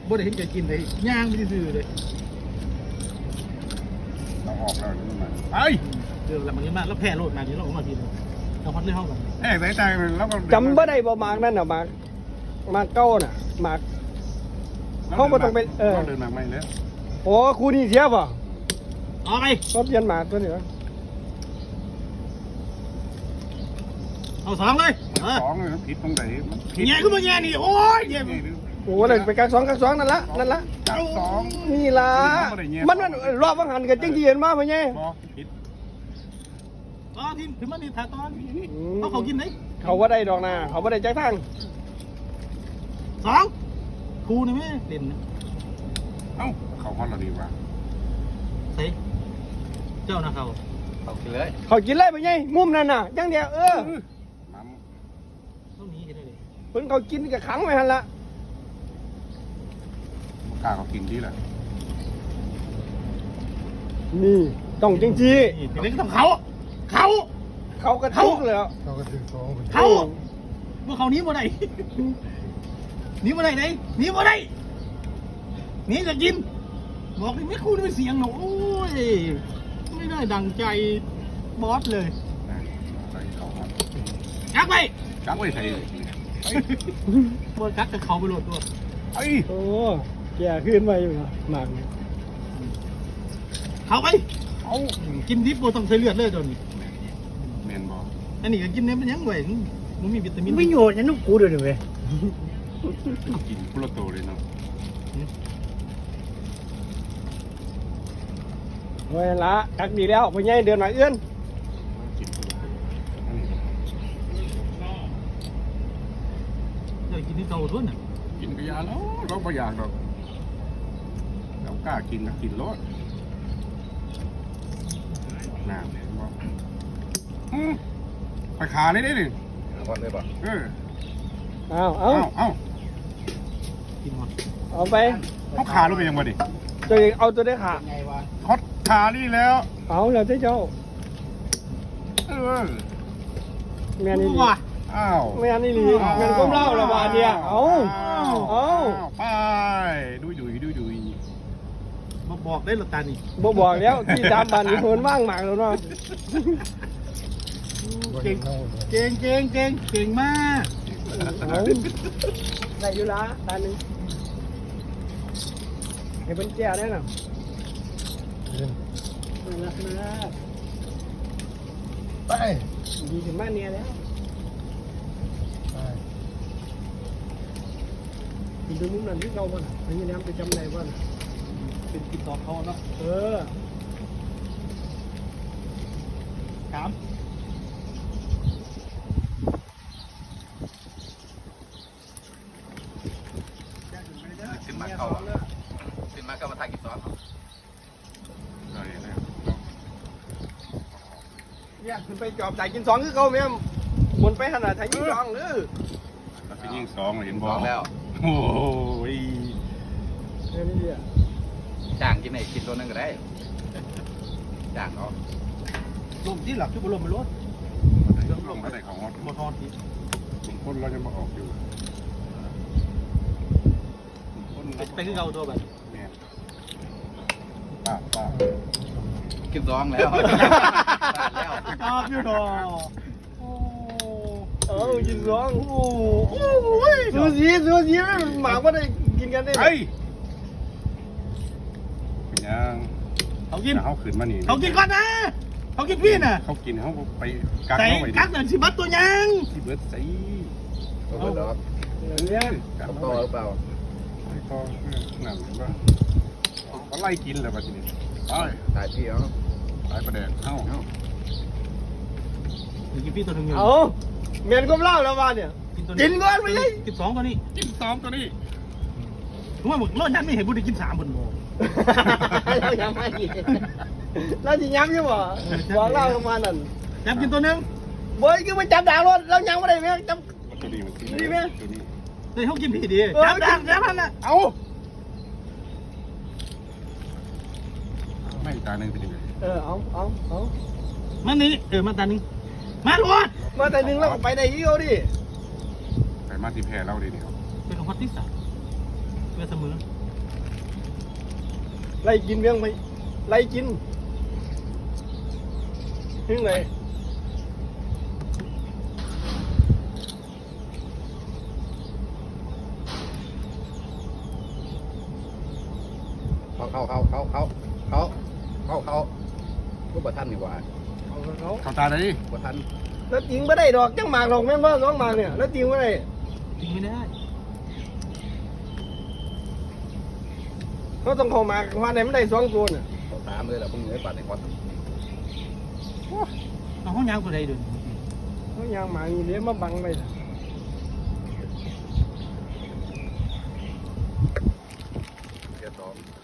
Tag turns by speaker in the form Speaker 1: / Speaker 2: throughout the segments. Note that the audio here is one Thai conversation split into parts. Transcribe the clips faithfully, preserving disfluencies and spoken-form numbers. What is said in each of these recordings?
Speaker 1: บ่ได้เห็นแกกินเลยย่างไม่ได้ซื้อเลย
Speaker 2: เราออกแล้วนี่มันไอ
Speaker 1: เดี๋ยวแล้วมันนี่มาแล้วแพ้โลดมาที่เราออกมาทีนึงเราพัดเรื่องห้องกัน
Speaker 2: แอบใส่ใจมันแล้วก็
Speaker 3: จำบ่ได้บ่มากนั่นน่ะมากมากเก้าน่ะมากเขาบ่ต้องเป็นเออ
Speaker 2: เดินมาไม่เลย
Speaker 3: โอ้ครูนี่เสียป่ะ
Speaker 1: เอาไป
Speaker 3: ก็เปลี่ยนหมากตัวนี้วะ
Speaker 1: เอาสองเลย
Speaker 2: สองเลยผิดตรงไหน
Speaker 1: แง่ก็มาแง่นี่โอ้ยแง่
Speaker 3: โอ้เลยไปกักสองกักสองนั่นละนั่นละ
Speaker 2: กักสอง
Speaker 3: นี่ล่ะมันมันรอบวังหันกันจังที่เห็นมาพ่อใหญ่
Speaker 2: ผิด
Speaker 1: อ๋อทีมถึงมันนี่ถ่ายตอนเขาเขากินไหน
Speaker 3: เขาว่าได้ดอกนาเขาว่าได้จักทาง
Speaker 1: สองครูนี่ไหมเด่น
Speaker 2: เอ้าเขาฮอตเราดีกว่า
Speaker 1: เฮ้ยเจ้านะเขา
Speaker 4: เขากินเลย
Speaker 3: เขากินเลยพ่อใหญ่มุมนั่นน่ะจังเดียวเออ
Speaker 1: ต้องหนีกันเลย
Speaker 3: เพิ่นเขากินกับขังไว้หันละ
Speaker 2: กล้าเขากินที่แหละ
Speaker 3: นี่ต้องจริงจี
Speaker 1: เด็กต้องเขาเขา
Speaker 3: เขากระทุกเลย
Speaker 2: เขากระทุกสอง
Speaker 1: เขาเมื่อเขานี้บ่ได้นี้บ่ได้ไหนนี้บ่ได้นี้จะกินบอกเลยไม่คู่ด้วยเสียงหนูโอ้ยไม่ได้ดังใจบอสเลยกักไป
Speaker 2: กักไว้ใส่
Speaker 1: เมื่อกักกับเขาไปโหลดตัว
Speaker 2: ไอ้
Speaker 3: โอ้แก่ขึ้นไปอยู่นะหมาก
Speaker 1: เขาไปเอากินดิบโบต้องใช้เลือดเลยตอนนี้
Speaker 2: เมนบอ
Speaker 1: อันนี้ก็กินเนื้อเป็นยังไงมันมีวิตามิน
Speaker 3: ไม่โยนยันนุ่กูด้วยเลย
Speaker 2: กินกุลโตเลยเนาะ
Speaker 3: เวลากักดีแล้วพ่อใหญ่เดินมาเอื้อน
Speaker 1: เดี๋ยวกินที่เตาทุ่นอ่ะ
Speaker 2: กินกระยาแล้วเราไม่อยากหรอกเรากล้ากินก็กินรสน้ำเนี่ยว่าไปขาเลยได้ดิ
Speaker 4: ก่อนเลยป่ะ
Speaker 2: เออ
Speaker 3: เอาเอา
Speaker 2: เอา
Speaker 1: กินหมด
Speaker 3: เอาไป
Speaker 2: เขาขาลงไปยังไงดิ
Speaker 3: ตัวเองเอาตัวได้ขา
Speaker 2: ฮอตขานี่แล้ว
Speaker 3: เอาแล้วเจ้า
Speaker 2: เออ
Speaker 3: แม่นี่ลี
Speaker 2: อ้าว
Speaker 3: แม่นี่ลีเงินก้มเล่าละบาทเนี่ยเอาเอา
Speaker 2: ไปดูดูดูดู
Speaker 1: มาบอกได้หรอตานี่
Speaker 3: บอกบอกแล้วที่สามบาทนี่คนว่างหมากแล้วเนาะ
Speaker 1: เก่งเก่งเก่งเก่งเก่งมาก
Speaker 3: ได้อยู่ละตาหนึ่งให้เป็นแก้วได้หรอรักมาก
Speaker 2: ไป
Speaker 3: ดีถึงบ้านเนี่ยแล้วกินดูมุมนั้นที่เราบ้านอันนี้น้ำไปจำไหนบ้าน
Speaker 1: เป็นกินต่อเขาเนาะ
Speaker 3: เออ
Speaker 1: ถาม
Speaker 4: ขึ้นมาเข้าขึ้นมาเข้ามาทางกินซอส
Speaker 3: เนี่ยขึ้นไปจอบจ่ายกินสองคือเขาแม่บนไปขนาดไทยยิงสองหรือ
Speaker 2: ไปยิงสองเห็นบอล
Speaker 4: แล้ว
Speaker 2: โอ้ย
Speaker 3: นี่อ่ะ
Speaker 4: จ้างกินไหนกินตัวนึงก็ได้จ้างเขา
Speaker 1: ลมที่หลับที่บนลมมันรถ
Speaker 2: ลมมาใส่ของฮอต
Speaker 1: บนฮอตที่
Speaker 2: คนเราจะมาออกอยู่
Speaker 1: ไปขึ้นเขาตัวแบบ
Speaker 2: ป้าป้า
Speaker 4: กินซองแล้ว
Speaker 1: ชอบอยู่ดอ
Speaker 3: เออกินซองโอ้ยซูซีซูซีหมาก็ได้กินกันได้
Speaker 2: ไอ้เป็นยัง
Speaker 1: เขากิน
Speaker 2: เขาขืนมาหนี
Speaker 1: เขากินก่อนนะเขากินพี่น่ะ
Speaker 2: เขากินเขาไปกัก
Speaker 1: เข้าไปกักเดินสิบัตตัวยัง
Speaker 2: สิเบิร์ดใส่
Speaker 4: เอาดอก
Speaker 3: เนี่ย
Speaker 4: กับต่อหรือเปล่า
Speaker 2: ก็นั่นว่าเขาไล่กินเลยป่ะทีนี้ตาย
Speaker 4: ตายพี่เหรอ
Speaker 2: ตายประเด็นเอ้า
Speaker 1: กินพี่ตัวนึงอยู่
Speaker 3: เอาเมียนก้มเล่าแล้วมาเนี่ยกินก่อนไปเลย
Speaker 1: กินสองตัวนี้
Speaker 2: กินสองตัวนี้
Speaker 1: ผมว่าหมดรถยันไม่เห็นบุตรกินสามบนโม
Speaker 3: เราย้ำไม่กินเราจะย้ำใช่ป่ะบอกเล่าประมาณนั้น
Speaker 1: ย้ำกินตัวนึง
Speaker 3: เว้ยคือมันจับด่างรถเราย้ำไม่ได้ไหมจับ
Speaker 2: ดีไหม
Speaker 1: เฮ้ยเขากินพี่ดีจับด่างจับมันน่ะ
Speaker 2: เอาไม่ตาหนึ่งเป็นยังไง
Speaker 3: เออเอาเอาเอา
Speaker 1: มันนี่เออมาตาหนึ่งมาลวด
Speaker 3: มาตาหนึ่งแล้วไปได้ยี่เอาดิ
Speaker 2: ไปมาที่แพร่เราดิเนี่ย
Speaker 1: เป็นของพัดที่สามเป็นเสมอ
Speaker 3: ไล่กินเรื่องไปไล่กินถึงไหน
Speaker 4: เขาเขาเขาเขาเขาเขาเขาเขาก็บ่ทันดีกว่า
Speaker 3: เอาเขา
Speaker 2: เข้าตาได้ดิ
Speaker 4: บ่ทัน
Speaker 3: แล้วจริงไม่ได้ดอกจังหมากดอกแม่นว่าสองหมากเนี่ยแล้วจริงไม่ได้
Speaker 1: จริงไม่ได้
Speaker 3: เขาต้องเข้าหมากว่าไหนไม่ได้สองตัวน่ะ
Speaker 4: เขาตามเลยแหละพวกนี้ปัดในควัน
Speaker 1: เอาห้องยางตัวใดเดิน
Speaker 3: เขายางหมากอยู่เดี๋ยวมาบังไป
Speaker 4: เดี๋ยวสอง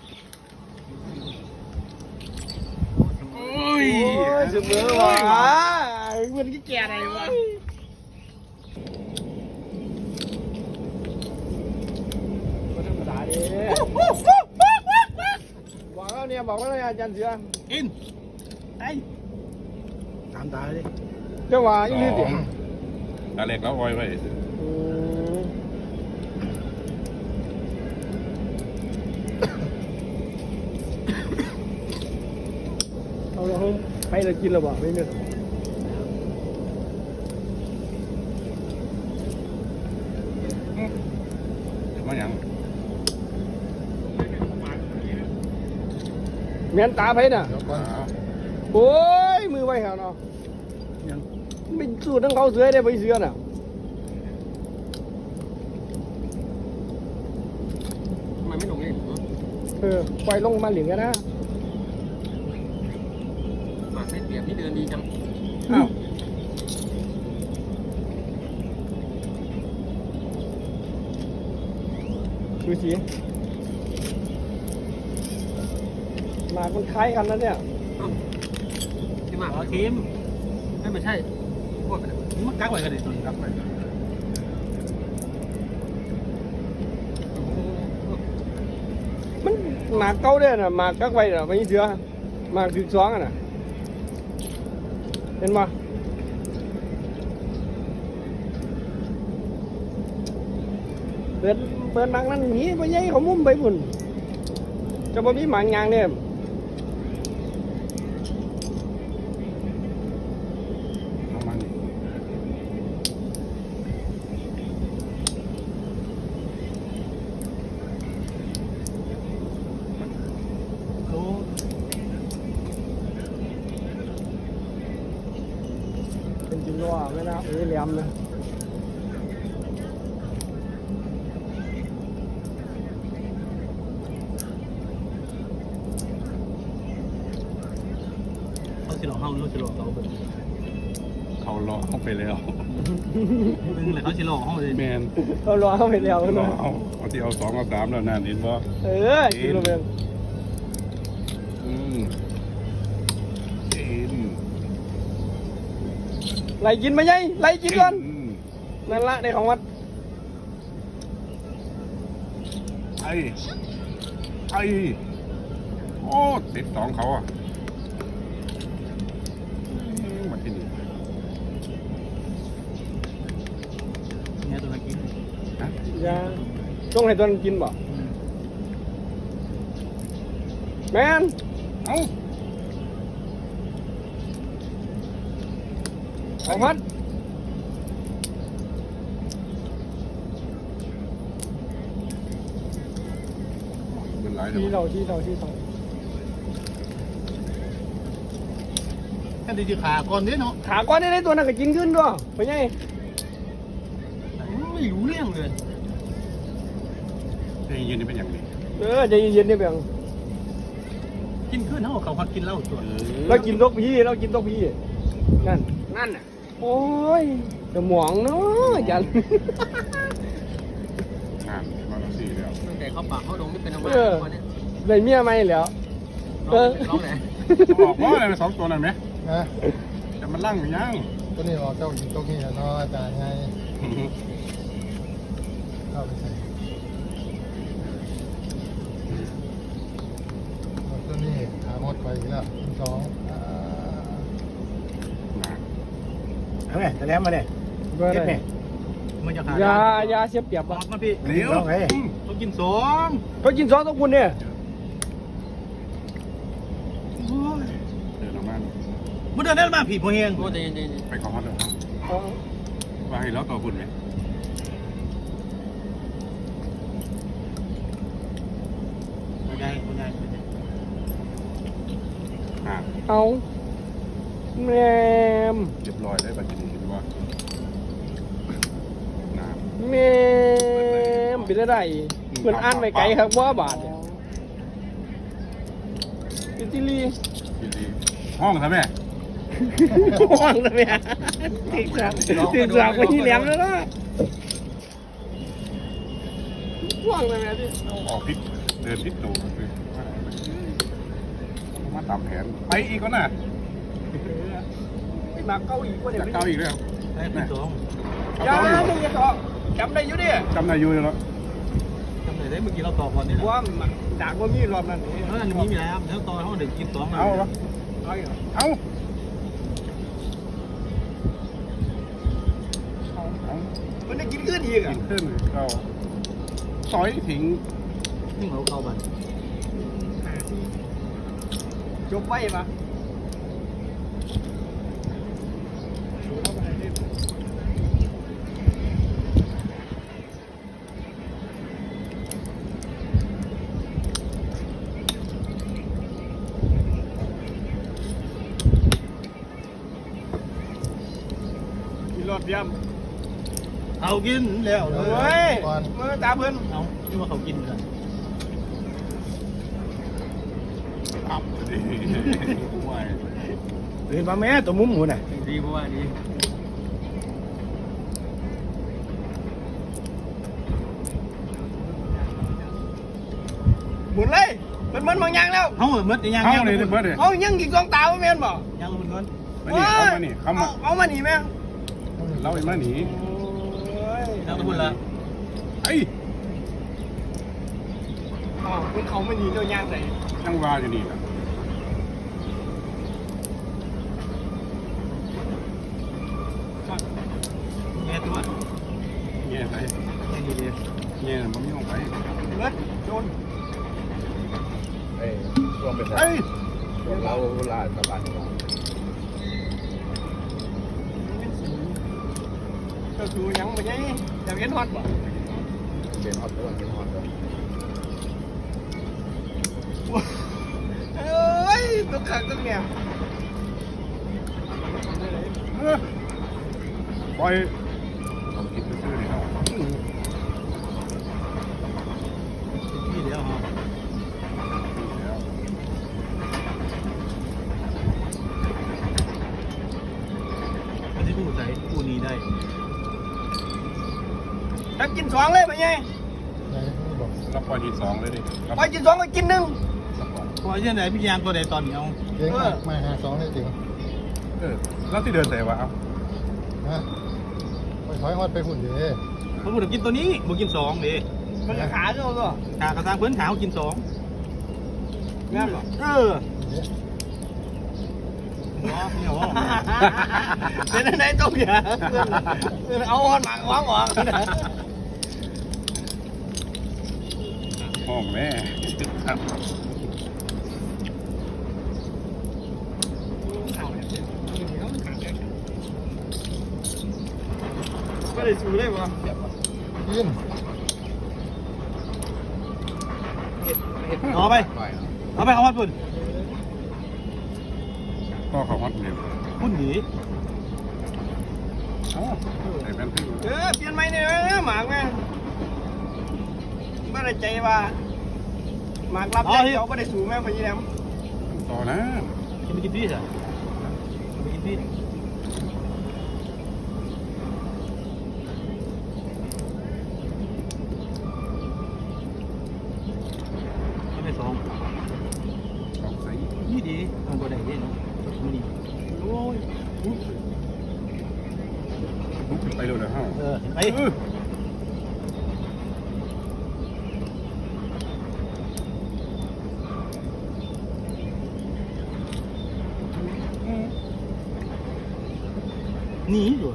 Speaker 2: โอ้ย
Speaker 3: โอ้ยเสมอว่ะเหมือนกี่แก่ไหนวะก็ธรรมดาดิบอกแล้วเนี่ยบอกแล้วเนี่ยอาจารย์เสือ
Speaker 1: อินไอ้ตามตาเลย
Speaker 3: เจ้าว่าอีนี่ดิ
Speaker 2: ตาเล็กแล้วอ้อยไว้
Speaker 3: อืมเอาละครับไปเลยกินแล้วบ่ไม่เนี่ย
Speaker 2: เดี๋ยวมาหยัง
Speaker 3: เมียนตาไปน่ะ
Speaker 2: อ้าว
Speaker 3: โอ้ยมือไว้เหรอเนาะ
Speaker 1: ยัง
Speaker 3: ไม่สู้ทั้งเขาเสือได้ไปเสือน่ะ
Speaker 1: ทำไมไม่ลงเล่น
Speaker 3: เออปล่อยลงมาเหลืองกันนะ
Speaker 1: มาเส้นเปียกนี่เดินดีจัง
Speaker 2: อ้าว
Speaker 3: ดูสิหมากมันคล้ายกันนะเนี่ย
Speaker 1: ที่มาเอาทีมไม่ไม่ใช่พวกนี่มันกักไว้กันเลยตัวนี้กักไว้
Speaker 3: มันหมากเก่าเนี่ยน่ะหมากกักไว้น่ะไม่เสือหมากถึงสองอ่ะน่ะเห็นปะเปิดเปิดหมากนั้นหนีไปยัยเขามุมไปบุ่นจะบ่มีหมากยางเนี่ย
Speaker 2: เอามานี่
Speaker 1: โอ้
Speaker 3: เป็นจริงว่าไม่นะเอ้ยแหลมนะ
Speaker 1: เขาสิหลอกเขาเขาสิหลอกเราเป็น
Speaker 2: เขาเลาะเข้าไปแล้ว
Speaker 1: เป็นอะไรเขาสิหลอกเขาเลย
Speaker 2: แมน
Speaker 3: เขารอเข้าไปแล้ว
Speaker 2: เลาะ
Speaker 3: นะ
Speaker 2: เอาเอาที่เอาสองเอาสามแล้วนั่นเห็นบ่
Speaker 3: เออกินลงไป
Speaker 2: อืมกิน
Speaker 3: ไล่กินไปยัยไล่กินก่อน
Speaker 2: อืม
Speaker 3: นั่นละในของวัด
Speaker 2: ไอ้ไอ้โอ้ติดสองเขาอ่ะอืมมาที่นี่
Speaker 1: เนี่ยตัวนั้นกิน
Speaker 2: นะ
Speaker 3: อย่าต้องให้ตัวนั้นกินบ่แมน
Speaker 2: เอ้า
Speaker 3: ของวัด
Speaker 2: เป็นไร
Speaker 3: ที่
Speaker 2: เดี๋ยว
Speaker 3: เราที่เราที่เรา
Speaker 1: แค่ดีจีขาก่อนนิดเนาะ
Speaker 3: ขาก้อนได้ตัวนั้นก็กินขึ้นด้วยไปยัย
Speaker 1: ไม่รู้เรื่องเลย
Speaker 2: เฮ้ยยืนนี่เป็นอย่างนี้
Speaker 3: เออใจเย็นๆนี่เพียง
Speaker 1: กินขึ้นเขาเขาเขากินเหล้าตัว
Speaker 3: เรากินตกพี่เรากินตกพี่นั่นนั่นน่ะโอ้ยจะหมองเนาะจัน
Speaker 2: งานมาแล้วสี่แล้ว
Speaker 1: ตั้งแต่เขาปากเขาลงนี่เป็นอะไร
Speaker 3: เออได้เมียไหมแล้ว
Speaker 1: เออร้องไหน
Speaker 2: บอกว่าอะไรเป็นสองตัวนั่นไหม
Speaker 5: นะ
Speaker 2: จะมันลั่งหรือยัง
Speaker 5: ตัวนี้ออกเจ้าอยู่ตรงนี้เนาะอาจารย์ไงเข้าไปใส่เอาตัวนี้หาหมดไปอีกแล้วสองอ่า
Speaker 1: เอาไงแต่แล้วมาเนี่ย
Speaker 3: เบอร์ไหน
Speaker 1: มันจะขาย
Speaker 3: ายายาเสียเปรียบ
Speaker 1: บอก
Speaker 3: บ่
Speaker 1: มาพี่
Speaker 2: เดี๋ยว
Speaker 1: ต้องกินสอง
Speaker 3: เขากินซอสต้องคุณเนี่ย
Speaker 1: มึงเดินได้มาผีพอเฮง
Speaker 3: โอ้ยเย็น
Speaker 2: ไปของฮอตเลยครับ
Speaker 3: ๆเอา
Speaker 2: ว่าให้เราต่อบุญไหม
Speaker 1: ไม่ได้ไม่ได้ไม่ได้
Speaker 2: อ่า
Speaker 3: เอาแมม
Speaker 2: เรียบร้อยได้บัตรนี้เห็นว่าน้
Speaker 3: แมมเป็นอะไรเหมือนอ่านไปไกลครับว่าบาทเนี่ยอิตาลี
Speaker 2: ำดีๆห้องครับแม่
Speaker 3: ว่างเลยแม่ติดสักติดสักไปที่แหลมแล้วนะว่างเลยแม่ที่
Speaker 2: ออกพิษเดินพิษตูคือมาตามแผนไปอีกก็น่ะ
Speaker 3: มาเกาหลีก็เดี๋ย
Speaker 2: จะ
Speaker 3: ว
Speaker 2: เก้าอีกแล้ว
Speaker 1: ได้คุณสอง
Speaker 3: ยาหนึ่งจะต่อจำได้อยู่ดิ
Speaker 2: จำนายยูเลยเนาะ
Speaker 1: จำได้ได้เมื่อกี้เราตอบก่อนนี่
Speaker 3: ว่าด่างว่ามีรอบนั้น
Speaker 1: เอออันนี้มีแล้วแล้วตอนเขาเด็กกินสอง
Speaker 2: เอาวะ
Speaker 3: เอาอีก
Speaker 2: เอาเอาเอา
Speaker 3: มันได้กินขึ้นอีก
Speaker 2: กิ
Speaker 3: อ่ะ
Speaker 2: นขึ้นเราซอยทิ้ง
Speaker 1: นี่เขาเข้าบัน
Speaker 3: จบไว้ปะ มีรถเยี่ยม
Speaker 1: เอากินแล้วเล
Speaker 3: เฮ้
Speaker 1: ย
Speaker 3: ยมือตาเพิ่น
Speaker 1: เอาที่ว่าเขากินกัน
Speaker 2: อับดีไหว
Speaker 1: เห็นป่ะแม่ตัวมุ้มหมูน่ะ
Speaker 4: ดีเพราะว่าดี
Speaker 3: หมุนเลยมันมันบางอย่างแล้ว
Speaker 1: เขาเมื่อยัง
Speaker 2: เข้า
Speaker 1: ยัง
Speaker 2: เลยเบิร์ดเลย
Speaker 3: เอายังกี่กองตาว่าแม่นบ่
Speaker 1: ยังมันก่อน
Speaker 2: มานี่เข้ามานี่เข้ามา
Speaker 3: เอามาหนีแม่
Speaker 2: เราอีกมาหนี
Speaker 1: ยังพูดละ
Speaker 2: ไอ้
Speaker 3: อ๋อคุณเขาไม่หนีเรื่องย่างไหน
Speaker 2: ยังวาอยู่นี่นะ
Speaker 1: แง่ตัว
Speaker 2: เงี้ยไป
Speaker 1: แง่ดีดี
Speaker 2: เงี้ยมันไม่ลงไป
Speaker 3: เลิศโดน
Speaker 4: เอ้ยช่วงเป็น
Speaker 2: ไอ้
Speaker 4: ช่วงเราลาสบาย
Speaker 3: ก็คือยังไม่ใช่จะเห็นฮอตบ่
Speaker 4: เป็นฮอตด้วยเป็นฮอตด้วย
Speaker 3: เอ้ยตัวขังตัวเนี่ย
Speaker 2: ปล่อยลองคิดไปซื้อดิครับ
Speaker 1: ที่เดียวฮะอันนี้ผู้ใส่ผู้นี้ได้
Speaker 3: ถ้ากินสองเลยไปไง
Speaker 5: ไหนบอก
Speaker 2: เราปล่อยทีสองเลยดิ
Speaker 3: ไปกินสองก็กินหนึ่ง
Speaker 1: พอเช่นไหนพี่ยางตัวใดตอนนี้เอา
Speaker 5: เก่งมากมาหาสองได้จริง
Speaker 2: เออแล้วที่เดินใส่วะเอา
Speaker 5: นะไปถอยฮอดไปหุ่นเด้
Speaker 1: เขาพูดถึงกินตัวนี้บุกินสองดิ
Speaker 3: มันก็ขาเนาะก็
Speaker 1: ขากระซังเพื่อนขาวกินสอง
Speaker 3: งามบ่
Speaker 1: เออ
Speaker 5: เด้
Speaker 1: ว้าเนี่ยว่า
Speaker 3: เป็นอะไรต้องอย่าเอาฮอตหมากวางออก
Speaker 2: ห้องแม่ครับ
Speaker 3: ก็ได้สู้ได้บ่
Speaker 5: ยิน
Speaker 1: เอาไปเอาไปเอาวัดปุ่น
Speaker 2: ก็เขาฮอตเร็ว
Speaker 1: พุ่นหนี
Speaker 2: เอ้าใส่แว่นพี่
Speaker 3: เออเปลี่ยนใหม่เนี่ยหมากแม่ไม่ได้ใจว่าหมากรับได้เขาไม่ได้สู้แม่พยี่แหลม
Speaker 2: ต่อนะ
Speaker 1: จะไปกินพี่สิไปกินพี่เอาไปสอง
Speaker 2: สองใส่
Speaker 1: นี่ดีทำตัวใดดีเนาะมันดีโอ้ย
Speaker 2: ลุกขึ้นไปเร็วเลยฮะ
Speaker 1: เออไป
Speaker 2: เออ
Speaker 1: หนีอยู่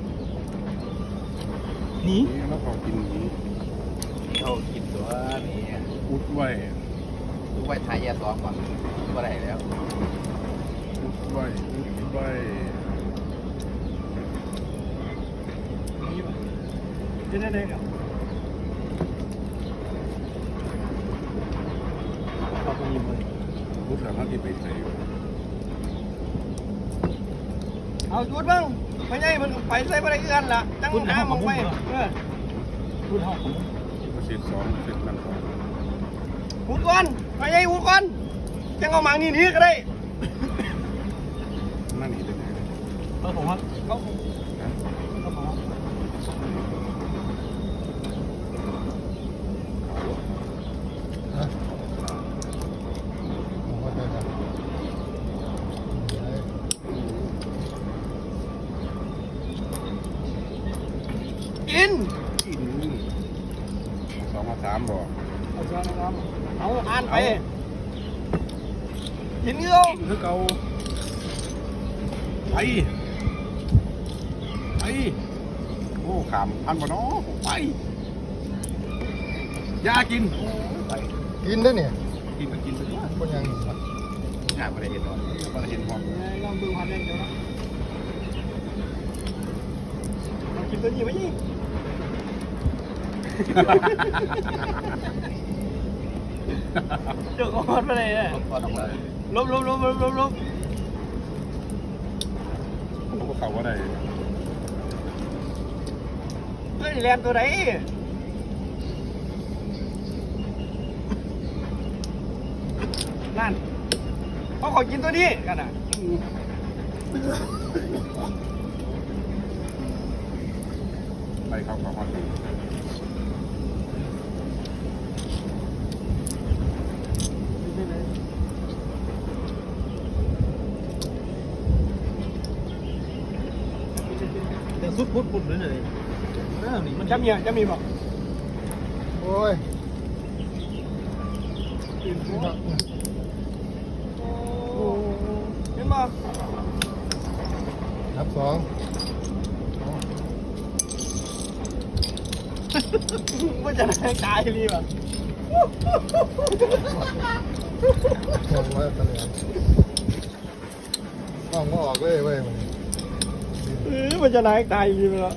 Speaker 1: หนี
Speaker 2: นี่แล้วเขากินนี้
Speaker 4: เขากินตัวนี้
Speaker 2: อุดไว้
Speaker 4: ทุกไว้ทายแย่ซ้อมก่อนก็ได้แล้ว
Speaker 2: อุดใบใบ
Speaker 3: นี่ป่ะจะได้ได้กับขอบคุณยิมเลย
Speaker 2: พุทธเราที่ไปใส่
Speaker 3: เอาจุดบ้างไม่ใช่มันไปใส่ไปได้เอื้อนล่ะตั้งน้ำมองไปเออ
Speaker 1: พูดห้องผม
Speaker 2: เศษสองเศษนั่นสอง
Speaker 3: หุ่นก่อนไม่ใช่หุ่นก่อนจังเอาหมางนี่นี่ก็ได้
Speaker 2: นั่นนี่เป็นไง
Speaker 1: เออผมว่า
Speaker 3: เขา
Speaker 1: ก็ผมว่า
Speaker 5: ฮะผมว่าได้ครับ
Speaker 3: กิน
Speaker 2: สองมาสามบ่
Speaker 3: เอาช้อนน้ำเอาอ่านไปกินเยอะ
Speaker 2: คือเก่าไปไปโอ้ขามพันบ่เนาะไปยากินไป
Speaker 5: กินได้เนี่ย
Speaker 2: กินก็กินไปด้วย
Speaker 5: คนยังอีกครับ
Speaker 2: หาบ่ได้เห็นหรอกบ่ได้เห็นหรอก
Speaker 3: ลองดูหันเองเดี๋ยวนะเรากินตัวนี้ไหมนี่เจ้าก็ฮอตไปเลยเนี่ย
Speaker 4: ก็ต้องเลย
Speaker 3: ลบลบลบลบลบลบ
Speaker 2: ผมก็เข้าบ่ได้
Speaker 3: เฮ้ยแลนตัวไหนนั่นเขาขอกินตัวนี้กันอ่ะ
Speaker 2: ไปเข้าเข้าฮอตดี
Speaker 1: แต่สุดพุดพุดเลยเลยเออนี่มัน
Speaker 3: จะมีอ่ะจะมีบอก
Speaker 5: โอ้ย
Speaker 3: กิน
Speaker 5: นี่
Speaker 3: หัว
Speaker 5: ครับ
Speaker 3: โอ้เห็นบ่
Speaker 5: นับสอง
Speaker 3: มันจะได้ตายรีบอ่ะ
Speaker 5: มองว่าตะเลียนมองว่าออกเลยเว้ยมัน
Speaker 3: เออมันจะได้ตายรีบแล้ว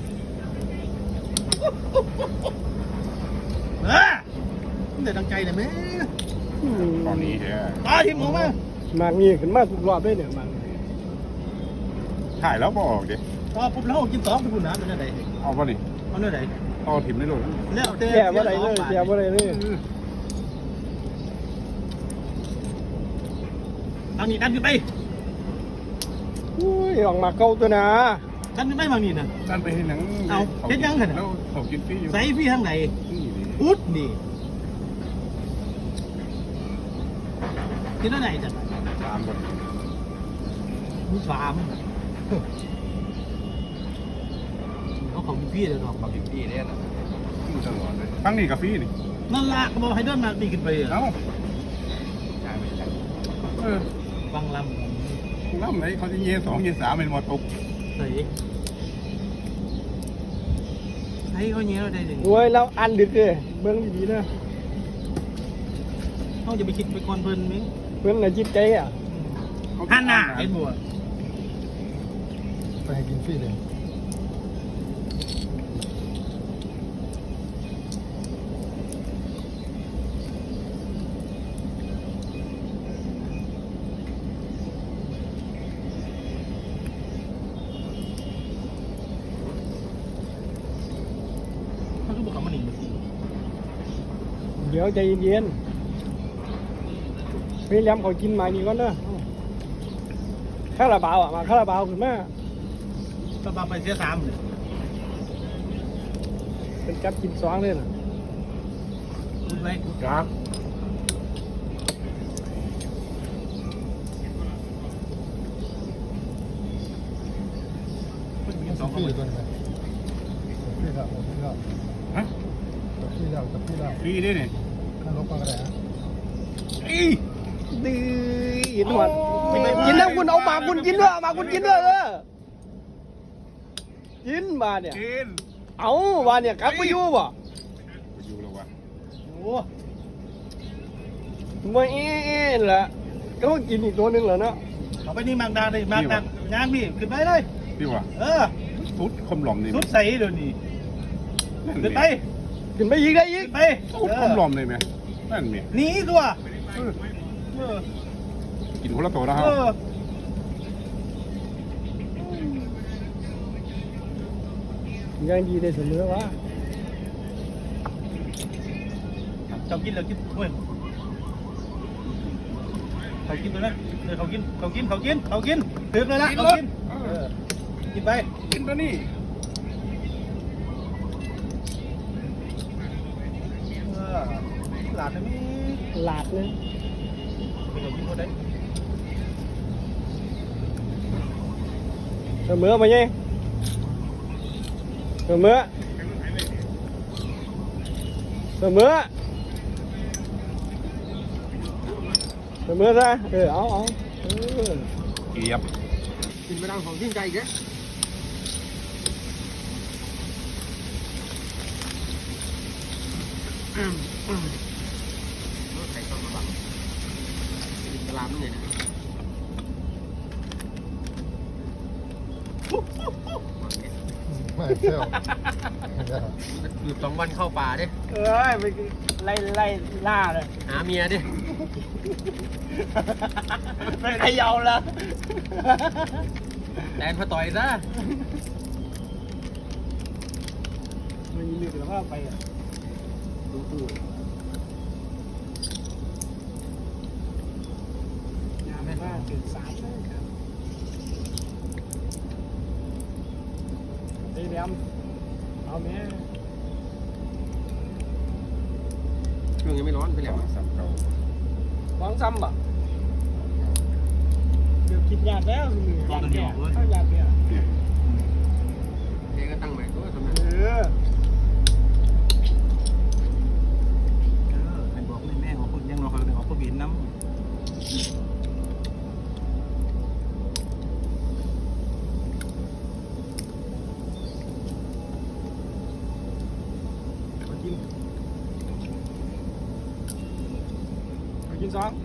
Speaker 1: เออมันได้ดังใจเลยแม่
Speaker 2: ตอนนี้แฮะ
Speaker 1: ตาทิมออกมา
Speaker 3: มันมีขึ้นมาทุกรอบเลยเนี่ยมัน
Speaker 2: ถ่ายแล้วบ่ออกดิ
Speaker 1: พอปุ๊บแล้วกินสองไปพูดน้ำเป็นอะไร
Speaker 2: เอาป่ะนี่
Speaker 1: เอาเนื้อไหน
Speaker 2: เอาถิ่มได้เลย
Speaker 1: แล้วแต่
Speaker 3: แย่ว่าไรเลยแย่ว่าไรเลย
Speaker 1: ทางนี้ดันขึ้นไป
Speaker 3: อุ้ยออกมาเก่าตัวนะ
Speaker 1: ดันขึ้นไปบางนี่นะ
Speaker 2: นั่นไปเห็นหนัง
Speaker 1: เอาเห็นยังกันอะ
Speaker 2: แล้วเขากินฟรีอยู่
Speaker 1: ใส่พี่ทางไหน
Speaker 2: นี่ดิ
Speaker 1: พุดนี่กินอะไรจัด
Speaker 2: สามคน
Speaker 1: มีสามเขาของพี่เลยดอก
Speaker 4: ความผิดที่เนี่ยนะ
Speaker 2: อยู่ตลอดเลยทั้งนี้กับฟรีนี่
Speaker 1: นั่นละก็บอกให้เดินมาดีขึ้นไป
Speaker 2: เอ้า
Speaker 4: ใช่ไม่ใช่
Speaker 2: เออ
Speaker 1: ฟังล
Speaker 2: น้ำไหนเขาจะเยี่ยสองเยี่ยสามเป็นหมดตก
Speaker 1: ำใส่ใส่เขาเงี้ยเราได้เลย
Speaker 3: โอ้ยเราอันดึกเลยเบื้องดีๆนะ
Speaker 1: เขาจะไปคิดไปก่อนเพิ่นมั้ง
Speaker 3: เพื่อนน่ะจิตใจอ่ะ
Speaker 1: ฮันน่ะไอ้บัว
Speaker 5: ไปให้กินฟรีเลย
Speaker 1: เขาคือบอกเขามาหนีมาสิ
Speaker 3: เดี๋ยวใจเย็นๆพี่แหลมเขากินมานี่ก่อนเนอะคาราบาวอ่ะมาคาราบาวขึ้นมา
Speaker 1: ก็มาไปเสียสามเลย
Speaker 3: เป็นกับกินสองเลยนะ
Speaker 1: พูดไว้
Speaker 2: ครับ
Speaker 1: พูด
Speaker 5: กิ
Speaker 1: กิน
Speaker 5: น
Speaker 1: สอง
Speaker 5: ฟ
Speaker 1: เขา
Speaker 5: รี
Speaker 1: เลย
Speaker 5: ตัวนี้ฟรีแล้วฟรีแล้ว
Speaker 2: ฮะ
Speaker 5: ฟรีแล้วฟรีแล้ว
Speaker 2: ฟรีด้วยนี่
Speaker 5: ถ้าลบมาก็ได้ฮะ
Speaker 2: อี
Speaker 3: ดื้อกินหมดกินแล้วคุณเอาหมากคุณกินด้วยเอาหมากคุณกินด้วยเออกินมาเนี่ย
Speaker 2: กิน
Speaker 3: เอาว่าเนี่ยกลับไปอยู่บ่
Speaker 2: ไปอยู่แล้ววะ
Speaker 1: โอ้
Speaker 3: มาเอ๊ะแหละก็กินอีกตัวหนึงเหรอเนาะ
Speaker 1: เเอาไปนี่มากดังเลยมากดังยางพี่ขึ้นไปเลย
Speaker 2: พี่ว่า
Speaker 1: เออ
Speaker 2: สุดคมหลอมนี่
Speaker 1: สุดใส่เดี๋ยวนี้ขึ้นไป
Speaker 3: ขึ้นไปอีกได้อี
Speaker 1: ขึ้
Speaker 3: ก
Speaker 1: นไป
Speaker 2: สุดคมหลอมเลยไหมนั่นเมีย
Speaker 1: หนีตัว
Speaker 2: เออ
Speaker 1: เออ
Speaker 2: กินคนละตัวนะครั
Speaker 1: เอบ อ
Speaker 3: ยังดีได้เสมอวะ
Speaker 1: เจ้ากินเลยกินเว้ยเขากินตัวนั้นเออเขากินเขากินเขากินเขากินตื่นเลยละเขากินเออกินไป
Speaker 2: กินตัวนี้
Speaker 1: เออหลาดนะมี
Speaker 3: หลาดเลย
Speaker 1: ไปเขากินคนใด
Speaker 3: เสมอมาไงเสมอเสมอเสมอซะเออเอาเอาเออ
Speaker 2: เกียบ
Speaker 3: กินไปดังของทิ้งใจอีกแล้ว
Speaker 4: ใส่ต้นมะบังกินกะลามนี่นะ
Speaker 5: ไม่เที่ยว
Speaker 4: อยู่สองวันเข้าป่าดิ
Speaker 3: เอ้ยไปไล่ไล่ล่าเลย
Speaker 4: หาเมียดิ
Speaker 3: ไปเขย่าละ
Speaker 4: แดนพอต่อยซะ
Speaker 3: มันมีแต่ว่าไปอ่ะ
Speaker 4: ดูตู้
Speaker 3: ยามว่าตื่นสายเลยครับไอ้เดียมเอาแม่
Speaker 4: เครื่องยังไม่ร้อนไปแล้ว
Speaker 2: สามเก่า
Speaker 3: ร้องซ้ำป่ะเดี๋ยวคิดยากแล้วอยากแก่ถ้าอยากแก่
Speaker 4: เองก็ตั้งใหม่ตัวทำไม
Speaker 3: เออ
Speaker 1: เออใครบอกแม่ของคุณยังรอเขาของผู้บินน้ำ
Speaker 3: มากินมากินสอง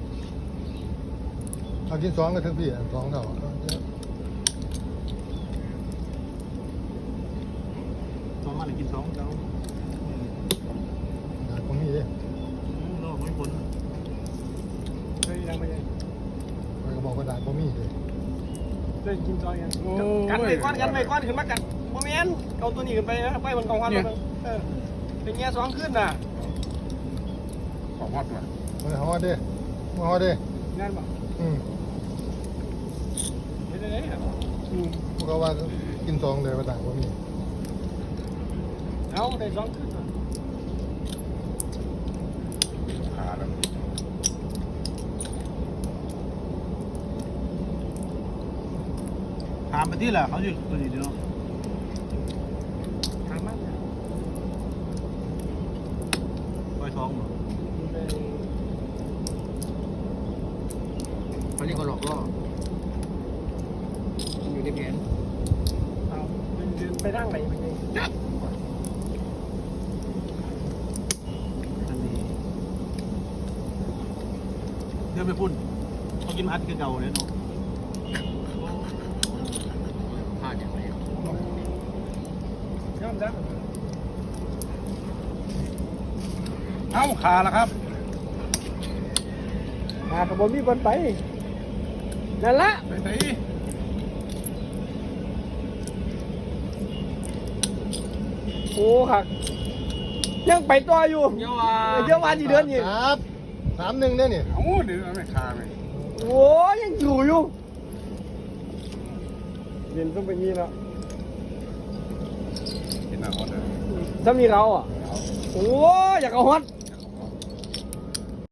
Speaker 5: เอากินสองกันทั้งพี่สองเท่า
Speaker 1: สองมาหรือกินสองเจ้า
Speaker 5: ผมมีดิ
Speaker 1: โลกไม่พ้น
Speaker 3: เคยยังไปยัง
Speaker 5: ไปกระบอกกระดาษผมมีดิ
Speaker 3: ได้กินซอยกันกันไปก้อนกันไปก้อนขึ้นมากันโมเมนต์เอาตัวนี้ขึ้นไปนะไปบนกองควันตัวนึงเออเป็นแง่สองขึ้นน่ะ
Speaker 2: ของฮอตมา
Speaker 5: มาฮอดดิมาฮอดดิ
Speaker 3: งานบ่
Speaker 5: อืม
Speaker 3: เห็นอะไรเนี่ย
Speaker 5: อืมพวกเขาว่ากินสองเลยกระดาษผมมี
Speaker 3: เอาได้สองขึ้นน่ะ
Speaker 2: ขาแล้ว
Speaker 1: ถามไปที่แหละเขาอยู่ตัวนี้เดียว
Speaker 3: ทางมันเนี่ย
Speaker 1: ปล่อยท้องเหรอ
Speaker 3: ไป
Speaker 4: เขาเรียกว่าหลอกล่ออยู่ในแผน
Speaker 3: เอาเดินไปร่างไหนไปไง
Speaker 1: ทันทีเดี๋ยวไปพุ่นเขากินอัดคือเก่าเลยเนาะ
Speaker 4: พลาดอย่างไร
Speaker 3: ยอมรับ
Speaker 2: เอ้าขาแล้วครับ
Speaker 3: หาขบวนมีบอลไปนั่นละ
Speaker 2: ไปไหน
Speaker 3: โอ้หักยังไปต่ออยู่
Speaker 4: เยาว่า
Speaker 3: เยอะวันที่เดือนนี่
Speaker 5: ครับสามหนึ่งเนี่ยนี่
Speaker 2: เอ้าเดี๋ยวเอาไม่ขาไหม
Speaker 3: โอ้ยังอยู่อยู่เย็นต้องไปงี้แล้ว
Speaker 2: กินหน้าฮอตเลย
Speaker 3: ถ้ามีเราอ่ะโอ้อยากเอาฮอต